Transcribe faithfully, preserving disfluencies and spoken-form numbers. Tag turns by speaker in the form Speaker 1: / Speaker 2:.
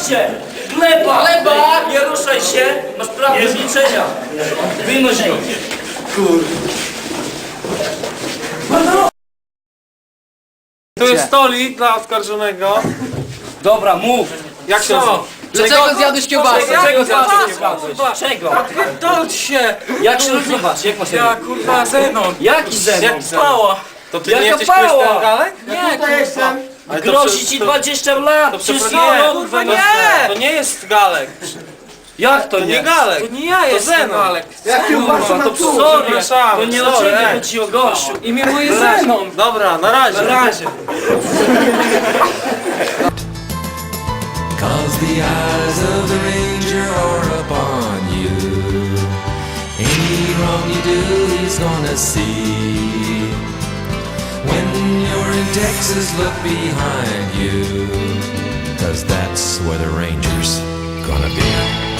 Speaker 1: Patrzcie! Gleba! Gleba! Nie ruszaj się! Masz prawo do zliczenia! Wynoś go!
Speaker 2: Tu jest stolik dla oskarżonego.
Speaker 1: Dobra, mów!
Speaker 2: Jak się nazywa?
Speaker 3: Dlaczego zjadłeś kiełbasę?
Speaker 1: Czego zjadłeś
Speaker 2: kiełbasę?
Speaker 1: kiełbasę? Czego?
Speaker 2: Pierdol się!
Speaker 1: Jak się nazywasz? Jak masz na
Speaker 2: Ja
Speaker 1: imię?
Speaker 2: kurwa Zenon.
Speaker 1: Jaki zenon?
Speaker 2: Jak pała. To ty nie
Speaker 1: Jaka
Speaker 2: jesteś
Speaker 1: pała?
Speaker 2: Krystian Galek?
Speaker 3: Nie, tutaj jestem.
Speaker 2: Ale to
Speaker 1: Grozi
Speaker 2: prze-
Speaker 1: ci
Speaker 2: to-
Speaker 1: dwadzieścia lat!
Speaker 2: To
Speaker 1: Przecież
Speaker 2: przepraszam,
Speaker 1: ja,
Speaker 2: nie,
Speaker 1: kurwa,
Speaker 2: to,
Speaker 1: nie!
Speaker 2: to nie jest Galek.
Speaker 1: Jak to
Speaker 2: To nie
Speaker 1: nie?
Speaker 2: Galek.
Speaker 3: To nie ja
Speaker 2: To
Speaker 3: jestem
Speaker 2: Zenon.
Speaker 3: Galek.
Speaker 4: Jak kiełbasa
Speaker 1: Kurwa,
Speaker 4: na
Speaker 1: to
Speaker 4: pół.
Speaker 1: sorry!
Speaker 2: Przepraszam,
Speaker 1: To nie o
Speaker 2: sorry,
Speaker 1: ciebie
Speaker 2: ej.
Speaker 1: chodzi o gościu!
Speaker 3: Imię moje Zenon.
Speaker 2: Dobra, na razie.
Speaker 1: Na razie!
Speaker 5: Cause the eyes of the ranger are upon you. Any wrong you do, he's gonna see. When you're in Texas, look behind you. Cause that's where the ranger's gonna be.